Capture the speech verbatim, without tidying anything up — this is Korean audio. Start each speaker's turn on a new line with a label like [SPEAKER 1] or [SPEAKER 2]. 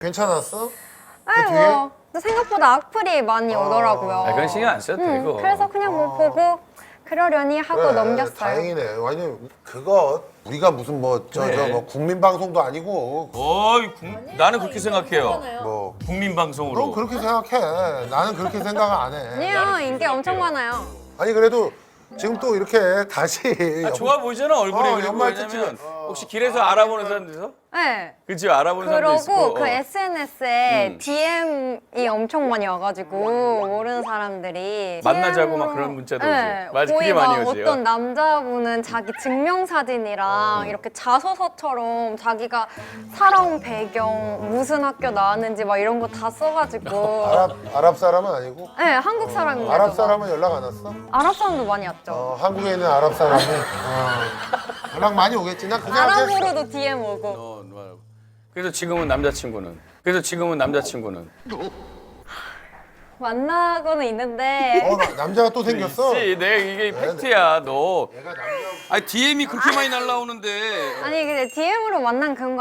[SPEAKER 1] 괜찮았어?
[SPEAKER 2] 아니
[SPEAKER 1] 뒤에?
[SPEAKER 2] 뭐 근데 생각보다 악플이 많이 오더라고요.
[SPEAKER 3] 아, 그건 신경 안 써도
[SPEAKER 2] 음,
[SPEAKER 3] 되고.
[SPEAKER 2] 그래서 그냥 뭐 보고 그러려니 하고
[SPEAKER 1] 그래,
[SPEAKER 2] 넘겼어요.
[SPEAKER 1] 다행이네. 왜냐면 그거 우리가 무슨 뭐 저 저
[SPEAKER 3] 그래.
[SPEAKER 1] 뭐 국민 방송도 아니고
[SPEAKER 3] 어이, 국- 나는 그렇게 생각해요.
[SPEAKER 1] 뭐
[SPEAKER 3] 국민
[SPEAKER 1] 넌
[SPEAKER 3] 방송으로.
[SPEAKER 1] 그렇게 생각해. 나는 그렇게 생각 안 해.
[SPEAKER 2] 아니요 인기 엄청 많아요.
[SPEAKER 1] 아니 그래도 지금 또 이렇게 다시
[SPEAKER 3] 아, 좋아 보이잖아 얼굴이.
[SPEAKER 1] 어,
[SPEAKER 3] 그리고
[SPEAKER 1] 연말
[SPEAKER 3] 왜냐면
[SPEAKER 1] 특집은.
[SPEAKER 3] 혹시 길에서 알아보는 사람들서
[SPEAKER 2] 네.
[SPEAKER 3] 그치 알아보는 사람도 있고.
[SPEAKER 2] 그러고 그 에스엔에스에
[SPEAKER 3] 음.
[SPEAKER 2] 디엠이 엄청 많이 와가지고 모르는 사람들이
[SPEAKER 3] 만나자고
[SPEAKER 2] 디엠으로
[SPEAKER 3] 막 그런 문자도
[SPEAKER 2] 네,
[SPEAKER 3] 오지. 맞아,
[SPEAKER 2] 거의
[SPEAKER 3] 그게 많이
[SPEAKER 2] 막
[SPEAKER 3] 오지.
[SPEAKER 2] 어떤 남자분은 자기 증명사진이랑 이렇게 자소서처럼 자기가 살아온 배경 무슨 학교 나왔는지 막 이런 거 다 써가지고
[SPEAKER 1] 아랍 아랍 사람은 아니고
[SPEAKER 2] 네 한국 사람인데도
[SPEAKER 1] 아랍
[SPEAKER 2] 막-
[SPEAKER 1] 사람은 연락 안 왔어?
[SPEAKER 2] 아랍 사람도 많이 왔죠.
[SPEAKER 1] 어, 한국에 있는 아랍 사람이 어, 연락 많이 오겠지. 난 그냥 했어.
[SPEAKER 2] 아랍으로도 디엠 오고
[SPEAKER 3] 어, 맞아. 그래서 지금은 남자친구는. 그래서 지금은 남자친구는.
[SPEAKER 2] 만나고는 있는데
[SPEAKER 1] 어, 나- 남자가 또 생겼어.
[SPEAKER 3] 있지. 내가 이게 팩트야. 너.
[SPEAKER 1] 내가 남자
[SPEAKER 3] 아니 디엠이 그렇게 많이 날라오는데.
[SPEAKER 2] 아니 근데 디엠으로 만난 그런 거